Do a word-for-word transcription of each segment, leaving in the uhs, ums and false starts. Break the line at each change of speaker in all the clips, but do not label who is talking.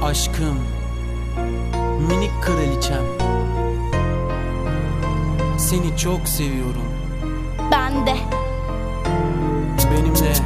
Aşkım, minik kraliçem, seni çok seviyorum.
Ben de.
Benimle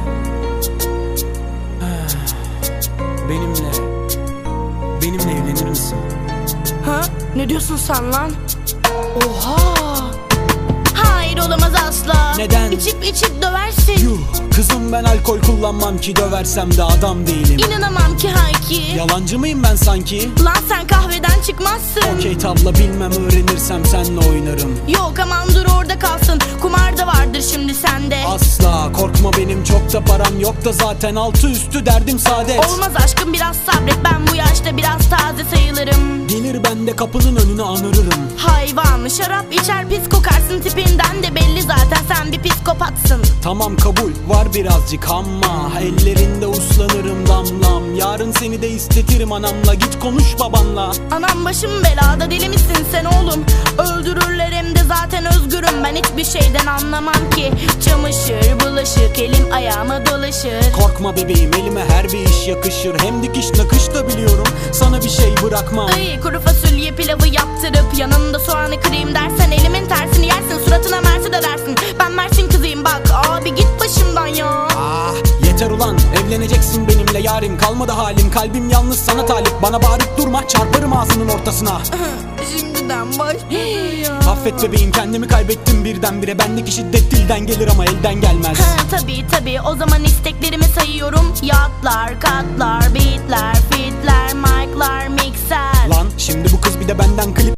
Benimle Benimle evlenir misin?
Ha? Ne diyorsun sen lan? Oha! Hayır, olamaz asla.
Neden?
İçip içip döversin.
Yuh, kızım ben alkol kullanmam ki, döversem de adam değilim.
İnanamam ki Hayki.
Yalancı mıyım ben sanki?
Lan sen kahveden çıkmazsın.
Okey tabla bilmem, öğrenirsem senle oynarım.
Yok aman dur orada kalsın. Kumar da vardır şimdi sende.
Asla korkma, benim çok da param yok da zaten altı üstü derdim saadet.
Olmaz aşkım, biraz sabret, ben bu yaşta biraz taze sayılırım.
Gelir ben de kapının önüne anırırım.
Hayvan, şarap içer pis kokarsın, tipinden de belli zaten sen bir psikopatsın.
Tamam kabul var birazcık ama ellerinde uslanırım damlam. Yarın seni de istetirim anamla, git konuş babanla.
Anam başım belada, deli misin sen oğlum? Öldürürler hem de zaten özgürüm, ben hiçbir şeyden anlamam ki. Çamaşır bulaşık elim ayağıma dolaşır.
Korkma bebeğim, elime her bir iş yakışır. Hem dikiş nakış da biliyorum, sana bir şey bırakmam.
Ay, kuru fasulye pilavı yaptırıp yanında soğanı kırayım dersen elimin tersini yersin, suratına mersi de dersin. Ben Mersin kızıyım bak abi, git başımdan ya.
Ah yeter ulan, evleneceksin benimle yarim. Kalmadı halim, kalbim yalnız sana talip. Bana bağırıp durma, çarparım ağzının ortasına.
Şimdiden başladı ya.
Affet bebeğim, kendimi kaybettim birdenbire. Bendeki şiddet dilden gelir ama elden gelmez.
Ha, tabii tabii, o zaman isteklerimi sayıyorum. Yatlar, katlar, beatler, fitler, mic'lar, mikser.
Lan şimdi bu kız bir de benden klip